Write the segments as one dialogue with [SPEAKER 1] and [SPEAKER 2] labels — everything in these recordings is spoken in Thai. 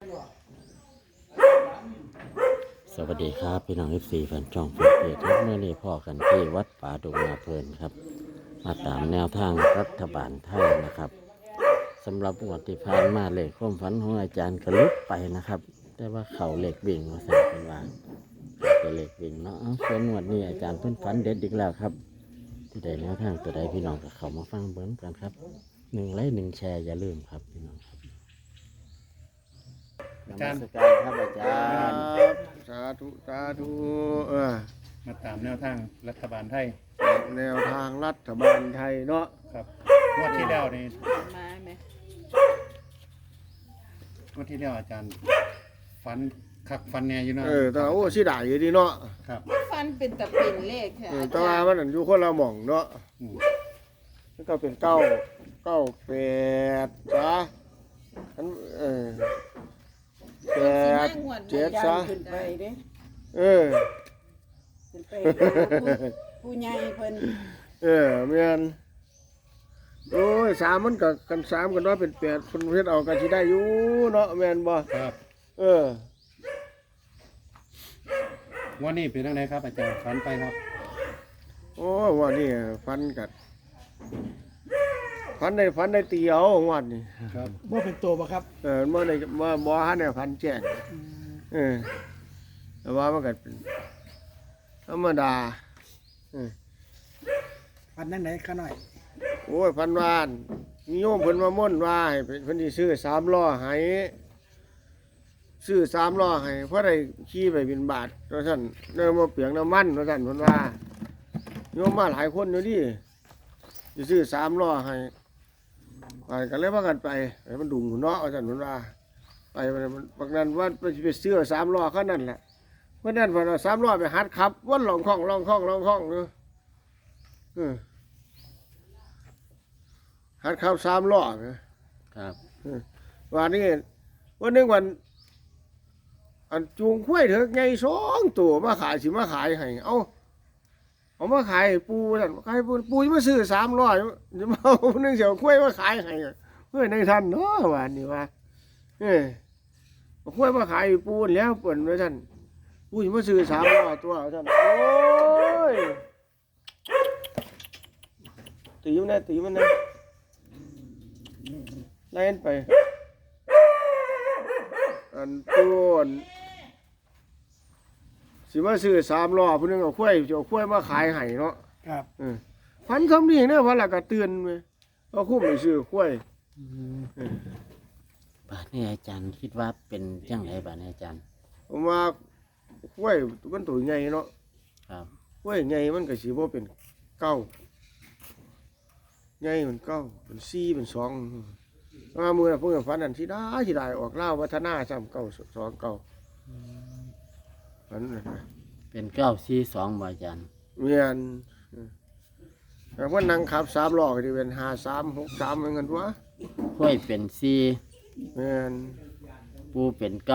[SPEAKER 1] สวัสดีครับพี่น้องFCแฟนช่องแฟนเพจครับเมื่อนี้พ่อกันที่วัดป่าดงนาเพลินครับมาตามแนวทางรัฐบาลไทยนะครับสำหรับงวดที่ผ่านมาเลขความฝันของอาจารย์กระลุกไปนะครับแต่ว่าเขาเลขวิ่งมาใส่เป็นว่าเป็นเลขวิ่งเนาะส่วนงวดนี้อาจารย์เพิ่นฝันเด็ดอีกแล้วครับที่ใดแนวทางตัวใดพี่น้องก็เข้ามาฟังเบิ้งกันครับ1 ไลค์ 1 แชร์อย่าลืมครับพี่น้องครับนมัสการครับอาจารย์
[SPEAKER 2] สาธุสาธุ
[SPEAKER 3] มาตามแนวทางรัฐบาลไทย
[SPEAKER 2] แนวทางรัฐบาลไทยเนาะ
[SPEAKER 3] ครับงวดที่แล้วนี่
[SPEAKER 4] มาไหม
[SPEAKER 3] งวดที่แล้วอาจารย์ฟันคักฟันแน่อยู่เนาะ
[SPEAKER 2] แต่โอ้สิได้อยู่ดีเนาะ
[SPEAKER 3] ครับ
[SPEAKER 4] ฟันเป็นตะเป็นเลขค่ะ
[SPEAKER 2] แต่ว่ามันอยู่คนละหม่องเนาะ
[SPEAKER 3] อืม
[SPEAKER 2] แล้วก็เป็น9 8จ้ะอัน8 7ซะ
[SPEAKER 4] ขึ้นไปเด้
[SPEAKER 2] เออ
[SPEAKER 4] ขึ้นไปผู้ใหญ่เพิ่น
[SPEAKER 2] แม่นโอ้ย3มันก็กัน3กันว่าเป็น8เพิ่นเฮ็ดเอาก็สิได้อยู่เนาะแม่นบ่
[SPEAKER 3] ครับ
[SPEAKER 2] เออ
[SPEAKER 3] งวดนี้เป็นจังไดครับอาจารย์ฟันไปครับ
[SPEAKER 2] โอ้ว่านี่ฟันได้ตีเอางวดนี่
[SPEAKER 3] ครับ
[SPEAKER 5] ว่าเป็นตัวบ่ครับ
[SPEAKER 2] เมื่อในบ่ฮันเนี่ยพันแจ้งแต่ว่ามันก็เป็นธรรมดา
[SPEAKER 5] ปันนั่งไหนข้าหน่อย
[SPEAKER 2] โอ้ยพันวานนิยมเพิ่นมาม่นว่าให้เพิ่นสิซื้อ3ล้อให้ซื้อ3ล้อให้เพราะได้ขี่ไปบิณฑบาตว่าซั่นเริ่มมาเปลืองน้ำมันว่าซั่นเพิ่นว่าโยมมาหลายคนอยู่ดิสิซื้อ3ล้อให้ไปก็เลยพากันไปมันดุงเนาะว่าซั่นเพิ่นว่าไปมันบางนั้นว่าไปซื้อ3ล้อคันนั้นแหละเพิ่นนั่นเพิ่นเอา3ล้อไปหัดขับวนหลองคล่องเนาะหัดขับ3ล้อนะครับ วันนี้วันหนึงวันอันจูงข้วยเถอะไง2ตัวมาขายสิมาขายให้เอามาขายให้ปูนั่นขายปูจะมาซื้อ3ล้อจะมาเอานึงเสียวข้วยมาขายให้เพื่อในท่านเนาะวันนี้ว่าเอาข้วยมาขายให้ปูแล้วเปิ่นว่าท่านปูจะมาซื้อ3ล้อตัวท่านโอ้ยตีมันนะไล่ไปอันตัวสิมาซื้อ3ล้อผู้นึงเอาข้วยจะเอาข้วยมาขายให้เนาะ
[SPEAKER 5] ครับ
[SPEAKER 2] พันคำนี้เนี่ยพันละก็เตือนไปเอาคุ้มไปซื้อข้วย
[SPEAKER 1] บาทนี้อาจารย์คิดว่าเป็นจังไรบาทนี้อาจารย์
[SPEAKER 2] ผมว่าข้วยมันตัวใหญ่เนาะ
[SPEAKER 1] ครับ
[SPEAKER 2] ข้วยใหญ่มันก็สิบ่เป็น9ใหญ่มัน9เป็น4เป็น2ว่ามื้อน่ะเพิ่นก็ฝันอันสิได้ออกลาววัฒนาซ้ำ9 2 9ฝันนั่นน่ะ
[SPEAKER 1] เป็น942บาทอาจารย์
[SPEAKER 2] เมียนแต่ว่านั่งขับ3ล้อก็สิเป็น53 63เหมือนกันวะ
[SPEAKER 1] ห้วยเป็น
[SPEAKER 2] เมียน
[SPEAKER 1] 4ปูเป็น9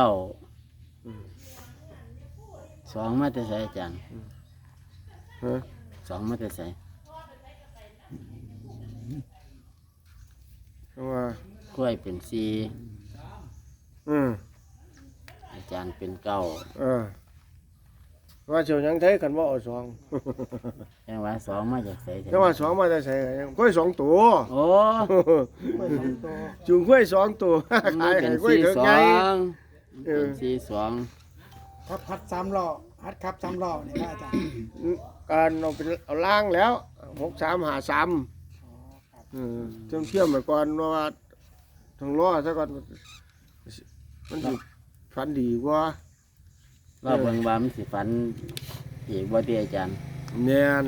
[SPEAKER 1] 2มาแต่ไสอาจารย์
[SPEAKER 2] ฮะ
[SPEAKER 1] 2มาแต่ไส
[SPEAKER 2] ว่า
[SPEAKER 1] ห้วยเป็น4
[SPEAKER 2] อืม
[SPEAKER 1] อาจารย์เป็น9
[SPEAKER 2] ว่าเชียวยังไทยกันว่าเอา2
[SPEAKER 1] แปลว่า2มาจากไส
[SPEAKER 2] แต่ว่า2มาได้ใส่กล้วย2ตัว
[SPEAKER 1] โอ้
[SPEAKER 2] จุงกล้วย2ตัวขาย
[SPEAKER 1] เป็
[SPEAKER 2] ให้
[SPEAKER 1] น
[SPEAKER 2] กล้วยเถอะไง
[SPEAKER 1] 42เป็น42
[SPEAKER 5] ครับพัด3ล้อฮัดครับ3ล้อนี่นะอาจารย์
[SPEAKER 2] การเอาล่างแล้ว6353เชื่อมไปก่อนว่าทางล้อซะก่อนมันสิฟันดีกว่า
[SPEAKER 1] ว่าเบิ่งว่ามันสิฝันอีกบ่ติอาจารย์
[SPEAKER 2] แน่น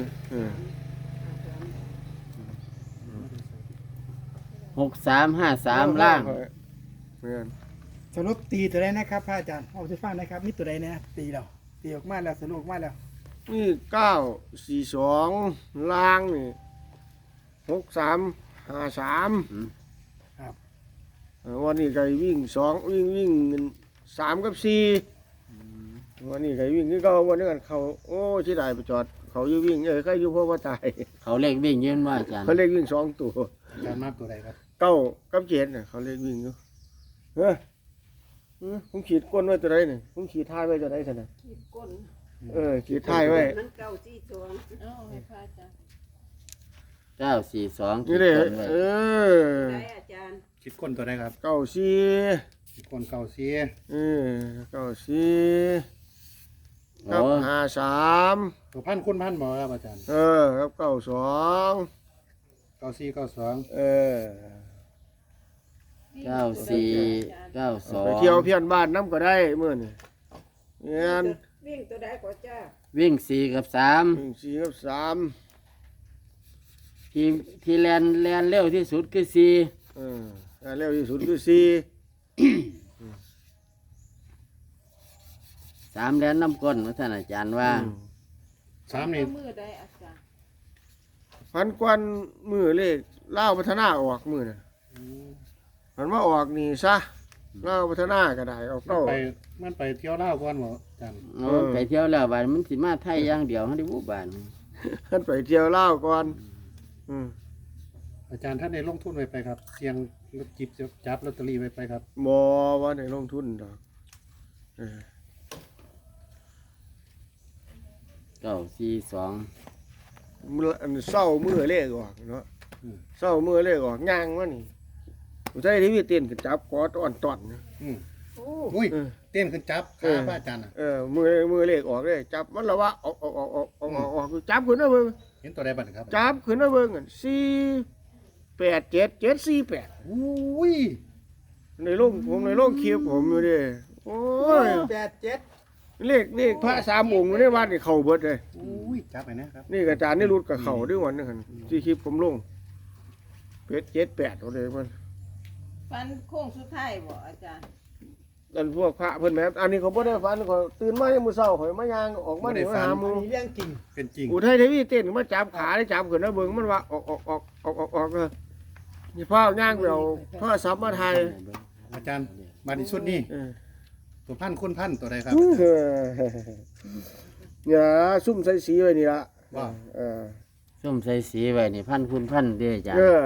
[SPEAKER 1] 6353ล่าง
[SPEAKER 2] แม่น
[SPEAKER 5] สรุปตีตัวใดนะครับพระอาจารย์เอาสิฟังนะครับมีตัวใดนะตีแล้วตีออกมาแล้วสรุปออกมาแล้ว
[SPEAKER 2] นี่942ล่างนี่6353
[SPEAKER 5] ครับ
[SPEAKER 2] วันนี้ไก่วิ่งวิ่ง3กับ4วันนี้ไก่วิ่งนี่ก็วันนี้กันเขาโอ้ที่ได้ไปจอดเขาอยู่วิ่งใครอยู่เพราะว่าตาย
[SPEAKER 1] เขาเลขวิ่งยืนว่าอาจารย์
[SPEAKER 2] เขาเรียกวิ่ง2ตัว
[SPEAKER 3] อาจารย์มากตัวใดครับ
[SPEAKER 2] 9กับ7น่ะเขาเรียกวิ่งอยู่เฮ้ยผมขีดก้นไว้ตัวใดนี่ผมขีดท้ายไว้ตัวใดซั่นน่ะ
[SPEAKER 4] ขีดก้น
[SPEAKER 2] ขีดท้ายไว้
[SPEAKER 4] มันเก่าที่สวงเอาให้พระอาจารย์
[SPEAKER 1] 942
[SPEAKER 2] นี่เด้
[SPEAKER 1] ขีดไว้
[SPEAKER 4] ได้อาจารย์
[SPEAKER 3] คิดก้นตัวใดครับ
[SPEAKER 2] เก้าสี่
[SPEAKER 3] คิดก้นเก่าซี
[SPEAKER 2] เก้าสี่กับ
[SPEAKER 1] โอ้
[SPEAKER 2] 53
[SPEAKER 3] ตัวพันคุณพันบ่ครับอาจารย์
[SPEAKER 2] กับ92
[SPEAKER 3] เก่าซีเก่าสอง
[SPEAKER 1] 94
[SPEAKER 2] ไปเที่ยว
[SPEAKER 1] 92
[SPEAKER 2] เพี้ยนบ้านน้ำก็ได้มื้อนี่เงี้ย
[SPEAKER 4] วิ่งตัวใดก็จ้า
[SPEAKER 1] วิ่ง4กับ3
[SPEAKER 2] 4กับ3
[SPEAKER 1] ที่แลนเร็วที่สุดคือ4
[SPEAKER 2] เร็วที่สุดคือ4
[SPEAKER 1] 3แลนน้ำก้นว่าท่านอาจารย์ว่า
[SPEAKER 3] สามนี่
[SPEAKER 4] มือได้อาจารย์
[SPEAKER 2] พันกวนมือเลขเล่าวพัฒนาออกมือน่ะมันมาออกนี่ซะเล่าวพัฒนาก็ได้เอา
[SPEAKER 3] มัน
[SPEAKER 2] เก้า
[SPEAKER 3] ไปมันไปเที่ยวลาวก่อนบ่อาจารย์
[SPEAKER 1] โอ้ไปเที่ยวแล้วบาดมันสิมาไทยอย่างเดียวเฮาได้บ่บาน
[SPEAKER 2] ขึ้นไปเที่ยวเล่าวก่อนอืม
[SPEAKER 3] อาจารย์ท่านได้ลงทุนไว้ไปครับ เสี่ยงจิบจับลอตเตอรี่ไว้ไปครับ
[SPEAKER 2] บ่ว่าในลงทุนดอกเออ
[SPEAKER 1] 942
[SPEAKER 2] มื้ออันเศร้ามือเลขออกเนาะเศร้ามือเลขออกย่างวะนี่ผู้ชายที่มีเต้นก็จับกอดอ่อนตอนนะ
[SPEAKER 3] อืม
[SPEAKER 4] โอ้
[SPEAKER 3] อุ้ย
[SPEAKER 2] เออ
[SPEAKER 3] เต้นขึ้นจับขาพระอาจารย์น่ะ
[SPEAKER 2] มือเลขออกเลยจับมันละว่าออกจับขึ้นนะเบิ่ง
[SPEAKER 3] เห็นตัวใดบัดครับ
[SPEAKER 2] จับขึ้นนะเบิ่งกัน487 748
[SPEAKER 3] อุ้ย
[SPEAKER 2] ในโลกผมในโลกคลิปผมอยู่ดิโอ้ย
[SPEAKER 5] 87
[SPEAKER 2] เลขพระสามองค์อยู่ในวัดนี่เข้าเบิดเลย
[SPEAKER 3] อุ้ยจับไปนะครับ
[SPEAKER 2] นี่อาจารย์นี่รุดกับเข้าด้วยวันนึงหั่นที่คลิปผมลงเป็ด78เอาเลยมัน
[SPEAKER 4] ฟันโค้งสุดท้ายบ่อาจารย์
[SPEAKER 2] อันพวกพระเพิ่นแม่นอันนี้เขาบ่ได้ฝันเขาตื่นมายามมื้อเช้าข่อยมายางออกมานี่มาหาห
[SPEAKER 5] อั
[SPEAKER 2] มู่
[SPEAKER 5] นนี้เรื่องจริง
[SPEAKER 3] เป็นจริง
[SPEAKER 2] อุทัยเทวีเต้นมาจับขาได้จับขึ้นนะเบิ่งมันว่าออกนี่พ่อย่างไปเอาโทรศัพท์มาถ่าย
[SPEAKER 3] อาจารย์มาในชุดนี้
[SPEAKER 2] เออ
[SPEAKER 3] ตัวพันคุณพันตัวใดครับ
[SPEAKER 2] อย่าซุ่มใส่สีไว้นี่ล่ะ
[SPEAKER 3] ว่า
[SPEAKER 2] เออ
[SPEAKER 1] ส้มใส่สีไว้นี่พันคุณพันเด้ออาจาร
[SPEAKER 2] เอ
[SPEAKER 1] ย์
[SPEAKER 2] อ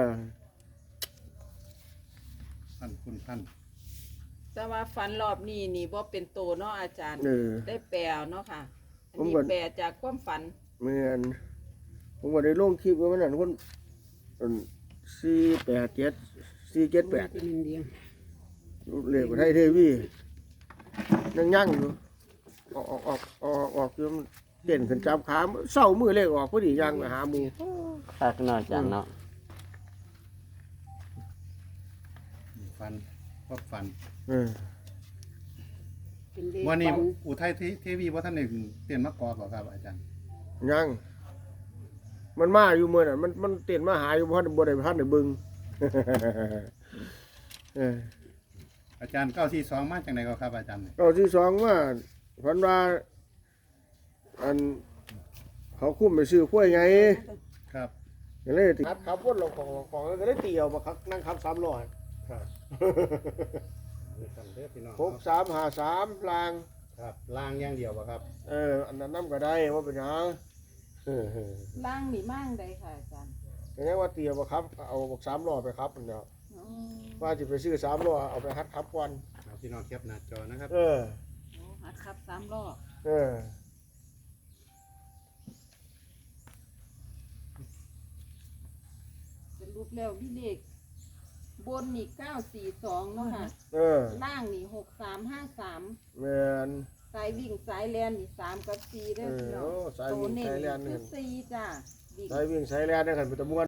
[SPEAKER 3] พันคุณพัน
[SPEAKER 4] แต่ว่าฟันรอบนี้นี่บ่เป็นโตเนาะอาจารย์
[SPEAKER 2] เออ
[SPEAKER 4] ได้แปลเนาะค่ะ อัน
[SPEAKER 2] ผม
[SPEAKER 4] นี้
[SPEAKER 2] ก็
[SPEAKER 4] แปลจากความฝัน
[SPEAKER 2] เหมือนผมก็ได้ลงคลิปไว้มันนั่นคน487 478เลขไทยเทวียังอยู่ออกอยู่มันเต้นขึ้นจับขาเศร้ามือเลขออกพอดีย่างไปหาหมู่
[SPEAKER 1] คักเนาะอาจารย์เนาะ
[SPEAKER 3] ฟันพบฟัน
[SPEAKER 2] เออ
[SPEAKER 4] เป็นเลข
[SPEAKER 3] วันนี้
[SPEAKER 4] ฝัน
[SPEAKER 3] อุทัยเทวีว่าท่านหนึ่งเตียนมะกอกเหรอครับอาจารย์
[SPEAKER 2] ยังมันมาอยู่เมื่อน่ะมันเต้นมาหาอยู่เพราะบ่ได้พันได้เบิ่ง เออ
[SPEAKER 3] อาจารย์942มาจากไหนก็ครับอาจารย์
[SPEAKER 2] เอาที่สองว่าพันว่าอันเขาคุ้มไปซื้อข้วยไง
[SPEAKER 3] ครับ
[SPEAKER 2] ก็เลยติขับวนลงของก็เลยเตียวมาขับนั่งขับ300ครับ 6353ลาง
[SPEAKER 3] ครับล่างอย่างเดียวครับ
[SPEAKER 2] อันนั้นนำก็ได้ว่าเป็นหยัง
[SPEAKER 4] ล่างนี่มั่งได้ค่ะอาจารย์
[SPEAKER 2] ก็ยังว่าเตียวบ่ครับเอาบอก300ไปครับนั่นแหละ
[SPEAKER 4] อ๋อ
[SPEAKER 2] ว่าสิไปซื้อ300เอาไปหัดขับก่อน
[SPEAKER 3] เอาพี่น้องแคปหน้าจอนะครับ
[SPEAKER 2] เออ
[SPEAKER 4] โอ้หัดขับ3 รอบ
[SPEAKER 2] เออ
[SPEAKER 4] เป็นรูปแล้วพี่เลขบนนี่942เนาะค่ะ
[SPEAKER 2] เออ
[SPEAKER 4] ล่างนี่6353
[SPEAKER 2] แม่น
[SPEAKER 4] สายวิ่งสายแลนนี่3กับ4เด้อพี่น้อง
[SPEAKER 2] สายวิ่ง
[SPEAKER 4] โตเน้
[SPEAKER 2] สายแล่น
[SPEAKER 4] คือ
[SPEAKER 2] นี่
[SPEAKER 4] 4จ้าวิ่ง
[SPEAKER 2] สายวิ่งสายแล่นนั่นกันเป็นตะมวน